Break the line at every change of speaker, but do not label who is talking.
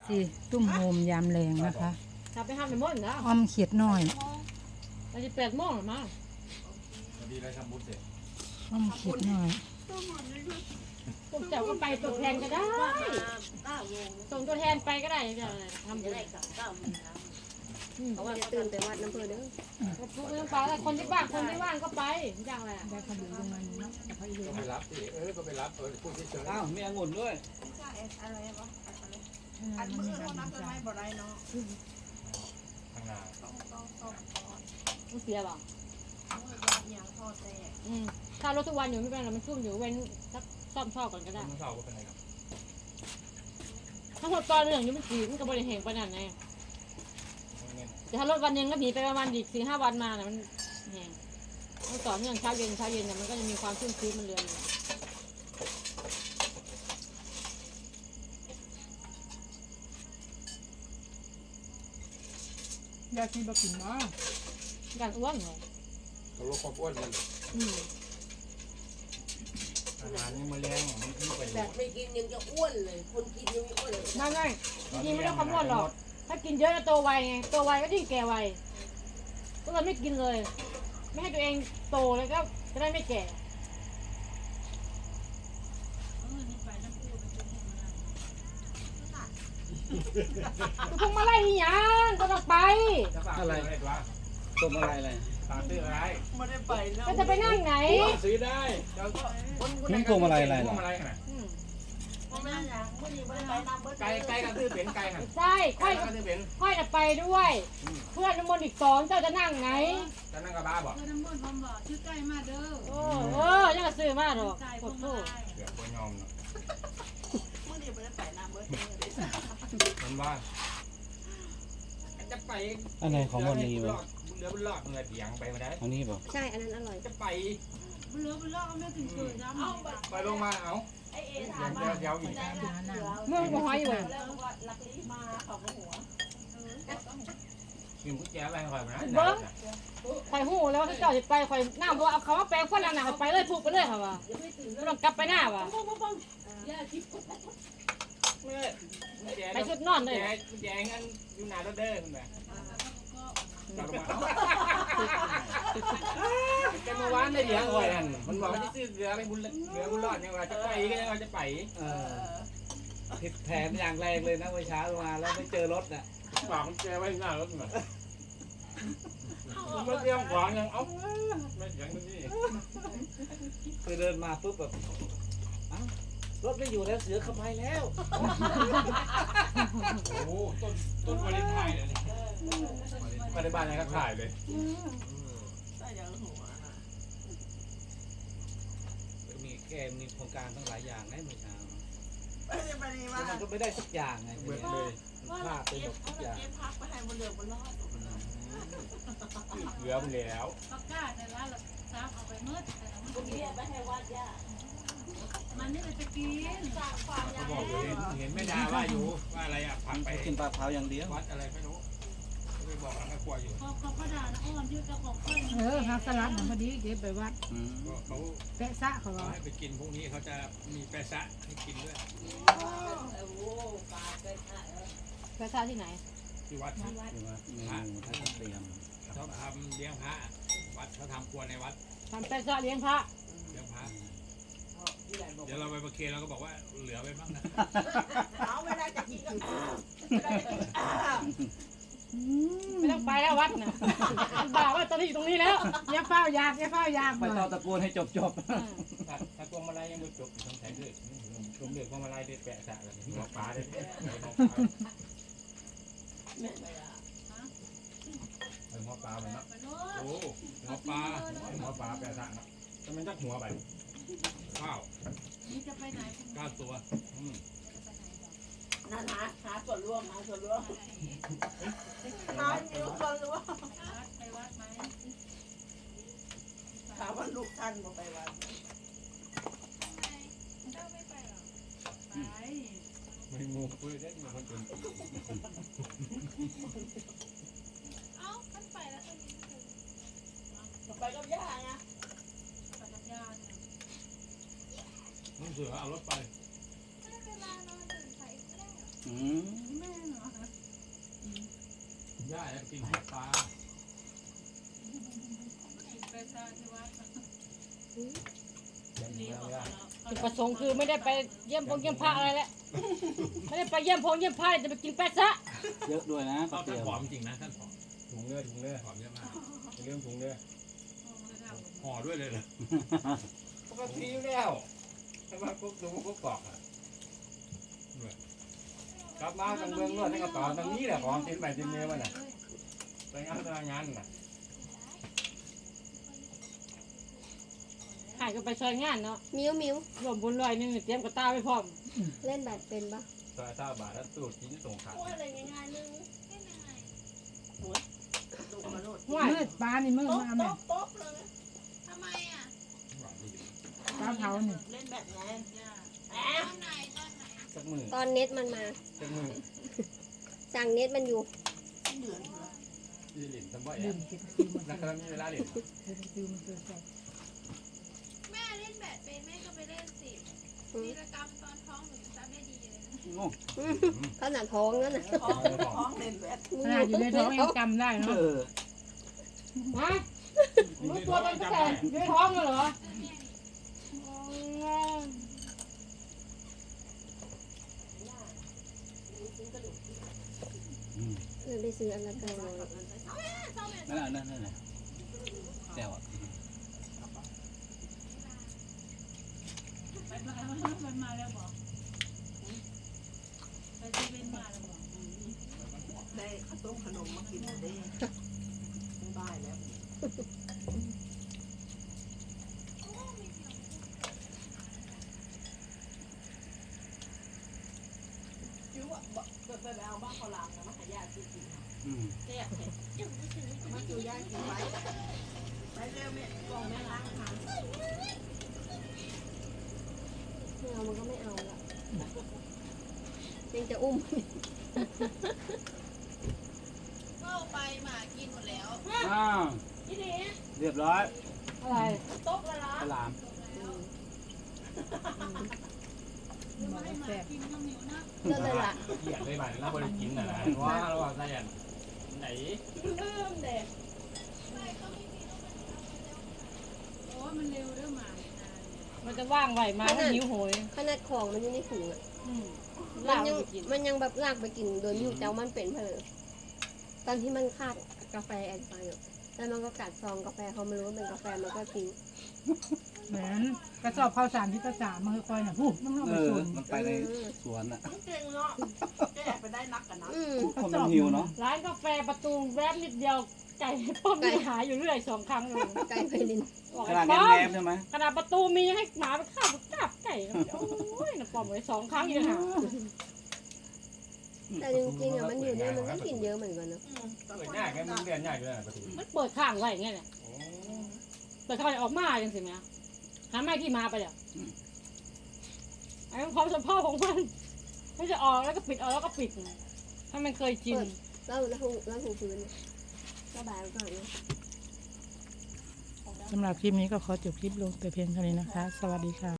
สิตุ้มโฮมยามแรงนะคะ
ถ้าไปห้ามในม่อนนะ
อ้อมเขียดน้อย
มันจะ8 โมงหรือมั้ง
พอดีเลยทำบุญเสร็จ
อ้อมเขียดน้อย
พวกเจ้าก็ไปตัวแทนก็ได้ส่งตัวแทนไปก็ได้จะทำบุญ
เพราะว่าตื่นแต่วัดน้ำเพลินเด้อ
ทุกเรื่องไปแล้วคนที่บ้านคนที่ว่างก็ไปอย่างไร
ได้ขนมยังไงเนาะไปอยู่
ก็ไปรับสิก็ไปรับพูดเฉย
อ้าวมีองุ่นด้วย
อะไรวะอันมือเขานับกันไหมบ่ได้เนาะ
ๆข้างหน้า
ต้อง
มันเสียบ่
มือยาอย่างพอแต่
ถ้ารถทุกวันอยู่ไม่เป็นไรมันชุ่มอยู่เว้นสักซ่อมท่อก่อนก็ได้
มันเศร้าก็เป็นไงครับ
ถ้าหมดตอนเรื่องนี้มันสีมันก็บริเหงปานนั้นไงแต่ถ้ารถวันหนึงก็หนีไปประมาณอีก4-5 วันมาน่ะมันแห้งมันต่อเนื่องเช้าเย็นเนี่ยมันก็จะมีความชุ่มชื้นมันเรือนอยู่
ยาที่บ่กินเนาะ
การอ้วนเหรอ
ก็ลดความอ้วนมัน อาหารนี่มาเลี้ยงมันที่ไป
แบบไม่กินยังจะอ้วนเลย คนกินยังไม่อ้วนเลย
ไม่จริงๆไม่ต้องความอ้วนหรอกถ้ากินเยอะจะโตไวไงโตไวก็ยิ่งแก่ไวก็เลยไม่กินเลย ไม่ให้ตัวเองโตแล้วก็จะได้ไม่แก่พวงมาลัยนี่ยังก็ต้องไป
อะไรวะ
ต้มอะไรอะไร
ตาตื้ออะไร
ไม่ได้ไปแล้ว
ก็จะไปนั่งไหน
ซื้อได้แล้วก็คน
นี่พวงมาลัยอะไร
พว
ล่ะ
งมาลัยขนาด
ไม่ได้อย่างไม่ได้ไปนำเบิร์ด
ไก่กระตื้อเป็นไก่หัน
ใช่ค่อย
กระตื้อเป็น
ค่อยจะไปด้วย เพื่อนน้ำมนต์อีก2เจ้าจะนั่งไหน
จะนั่งกระบะบอก
น้ำมันผมบอกชื่อใกล้มาเด้อ
ยังกระซื้อมาหรอก
ใจ
ก
ผม
ด
มา
โทษ
เดี๋ยวคนยอมเนาะ
ไม่ได้ไปไปนำเบิร์ด
มันว่าจะไป
อะไรของวันนี้วะ
เรือบุญรอดเรือเถียงไปมาได้
อันนี้ป่ะ
ใช่อันนั้นอร่อย
จะไป
บุญเลือบุญเลือเอาไม่ถึงเคยน้ำ
ไปลงมาเอา
ไอเอ
เดี๋
ถาม
ยวเดี๋ยวอีก
เมื่อกูหอยอยู่เลย
แล้วก็ลักลีมาเขาหัว
กินกุ้งแจอะไรคอยมานะ
คอยหูแล้วว่าเจ้าจะไปคอยหน้าบอกเอาเขาว่าแปลงคนหนักไปเลยผูกไปเลยค่ะว่ะไม่ต้องกลับไปหน้าว่ะไปชุดนอนเลย
แจงอันอยู่หน้ารถเด้อคุณแม่แต่เมื่อวานได้เลี้ยงคอยนั่นมันบอกว่าจะซื้อเรือไปบุญเรือบุญรอดยังว่าจะไปก็ยังว่าจะไป
ผิดแผนอย่างแรงเลยนะเมื่อเช้ามาแล้วไม่เจอรถน่ะ
ฝากมันแจไว้หน้ารถหน่อยมันเตรียมขวางยังเอาไม่เสียงนี่
คือเดินมาปุ๊บแบบอ้าวรถไม่อยู่แล้วเสือเข้าไปแล้ว
โอ้ต้นวาเลนไทน์เลยมาในบ้านยังก็ขายเลย
ได้อย่างหัว
มีโครงการตั้งหลายอย่างนะเมื่อเช้า
ไม่ได้ไปนี่
แต่
ว่า
มันก็ไม่ได้สักอย่างไง
เหมือนเลย
มันพลาดไปหมดทุกอย่าง
เก็บพักไปให้บนเรือบนรอด
เหลือมันแล้ว
ปากกาในร้านเราซับเอาไปมืดแต่มัน
บนเรียไปให้วัดย่า
มันนี่เราจะกิน
สร้างความ
เขา
ยา
บอกเห็นไม่ได้ว่าอยู่ว่าอะไรอ่ะพักไป
กินปลาเผาอย่างเดียว
วัดอะไรไม่รู้ไม่บอกแล้วก็กลัวอยู่
พอเขาก็ด่านะอ้อนยืดเจ้าของก้อน
หักสลัดน่ะพอดีเก็บไปวัด
เขา
แปะซะเขา
เขา
ว่า
ให้ไปกินพวกนี้เขาจะมีแปะซะให้กินด้วย
ภาษาที่ไหน
ที่วัด
เมนูถ้าจะเตรียม
เขาทำเลี้ยงพระวัดเขาทำครัวในวัด
ทำแต่เจาะเลี้ยงพระ
เลี้ยงพระเดี๋ยวเราไปประเคนเราก็บอกว่าเหลือไว้บ้างนะ
เอาเวลาจะกินก็
ไม่ต้องไปแล้ววัดน่ะบ่าว่าตอนนี้อยู่ตรงนี้แล้ว
อย่าเฝ้ายากอย่าเฝ้ายาก
ไปต่อตะโกนให้จบ
ถ้าพวงมาลัยยังไม่จบต้องใช้ด้วยรวมเดือดพวงมาลัยได้แปะซะเลยหัวปลาได้แปะหัวปลาไปเนาะ
ไปโน่
โอ้หัวปลาแปะซะเนาะแต่มันจักหัวไปข้าว
นี่จะไปไหน
9 ตัว
นั่นหาส่วนร่วมหาส่วนร่วมหาส่วนร่วม
ไปวัดไหม
ถามว่าลูกท่านบอกไปวัด
ไป
ไม่มูคุยได้มีคนจน
ไปกับย่าไง
ไปกับญาติ
มึงเสือเอารถไป
อืม
ได้แล้วกินปลา
กินไปซะที่วัด
เลี้ยงไม่ได้
จุดประสงค์คือไม่ได้ไปเยี่ยมพงเยี่ยมพระอะไรแล้วไม่ได้ไปเยี่ยมพงเยี่ยมพระจะไปกินแป๊ะซะ
เยอะด้วยนะ
ท่า
ก๋วย
น
เตี๋ยว
ผอมจริงนะท่านผอมถุงเนื้อผอมเยอะมากเรื่องถุงเนื้อห่อด้วยเลยเหรอปกติอยู่แล้วถ้ามากุ๊กดูกุ๊กกอกอ่ะกลับมาทางเมืองนวดให้กระต่อตรงนี้แหละของกินไปกินเนื้อมันน่ะไปงานน่ะ
หายก็ไปซอยงานเนาะ
มิ้ว
รวมบุญลอยหนึงเตรียมกระตาไว้พร้อม
เล่นแบบเป็นปะ
ซอย9 บาทแล้วสูตรกินส่งขาด
อ้วนอะไรง่ายๆนึงดูมาโลด
ห่วย
มืดปลานี่มืด
โต๊ะ
มาแม่
โต๊ะเลย
ทำไมอ่ะ
หวานดี
ปลาเผานี่
เล่นแบบไง
ตอนไหน
สักมือ
ตอนเน็ตมันมา
สักมือ
สั่งเน็ตมันอยู่
เดือนเหรอ
ที่หลินทำบ่อย
ดื่
อ่ะ
มกินคิวมัน
นักการมีเวลาหลิน
คิวมันคือแซ่บ
แม่เล่นแบดเป็นแม่ก็ไปเล่นสิวีรกรรมตอนท้องหนูยังจำได้ดีเลยนะ
โอ้
ขนาดท้องนั่นน่ะ
ท้องเล่นแบบ
ขนาดอยู่ในท้องยังจำได้เนาะ
เออ
ฮะรู้ตัวตอนตั้งแต่อยู่ในท้องเลยเหรอ
เลยไปซื้ออันละ900
นั่นแหละแซวอ่ะ
มันมาแล้วบอกไปเซเว่นมาแล้วบอก
ได้ข้าวต้มขนมมากินได้ไม่บายแล้วคิ้วอ่ะไปเอาบ้างเขาลามนะมาหายากิน
อืม
เนี่ยมาอยู่ยากินไว้ไปเร็วแม่กองแม่ล้างหาง
ไม่เอามันก็ไม่เอาละยังจะอุ้ม
ก็ไปหมากินหมดแล้ว
อ้าวเรียบร้อย
อะไร
โต๊ะละล้า
ฉลาม
บอกว่าแซ่บ
กินน้ำเหนียวนะ
นั่นเลยล่ะ
เกียดเลยบ้านแล้วบริกินน่ะนะว่าระหว่างไส้ยันไหน
เริ่มเด็ก
โอ้มันเร็วเรื่องหมาเนี่ยนะ
มันจะว่างไหวมาก็หิวโหย
ขนาดของมันอยู่ในถุงอ่ะ
อืม
มั
ลาน ก
ยัง
ไปกิน
มันยังแบบลากไปกินโดยอยู่เจ้ามันเป็นเพลอตอนที่มันคาดกาแฟแอนไปอ่ะแล้วมันก็กัดซองกาแฟเขาไม่รู้ว่าเป็นกาแฟมันก็ทิ้ง
เหมือนกระสอบข้าวสารที่ภาษามันค่อยๆน่ะพูดมันเข้า
เอ
ไป
อ
ส่วน
มันไปในสวนอ่ะ
เก่งเนาะแก้ไปได้นักกันนะ
อืม
คนมันหิวเนาะ
ร้านกาแฟประตูแวบนิดเดียวไก่ป้อมมีหาอยู่เรื่อย2 ครั้งเลย
ไก่ไพลิน
บอก
ข
ไอ้
นาด
ป้อม
แนบๆใช่ไหม
ขนาดประตูมีให้หมาไปข้าวกราบไก่นะโอ้ยนะป้อมเลย2 ครั้งอยู่หา
แต่จริงๆอ่ะมันอยู่เนี่ยมันก็กินเยอะเหมือนกันเนาะ
เปิดง่ายแค่มึงเรียนง่ายอยู่แล้วประตู
มันเปิดข้างไว้อย่างเงี้ยแหละเปิดข้างออกมาจังสิแม่หาไม่ที่มาไปอ่ะไอ้ความสัมพันธ์ของมันไม่จะออกแล้วก็ปิดออกแล้วก็ปิดถ้ามันเคยชิน
แล้วถูพื้นสบายก่อนนะ
สำหรับคลิปนี้ก็ขอจบคลิปลงแต่เพียงเท่านี้นะคะ สวัสดีค่ะ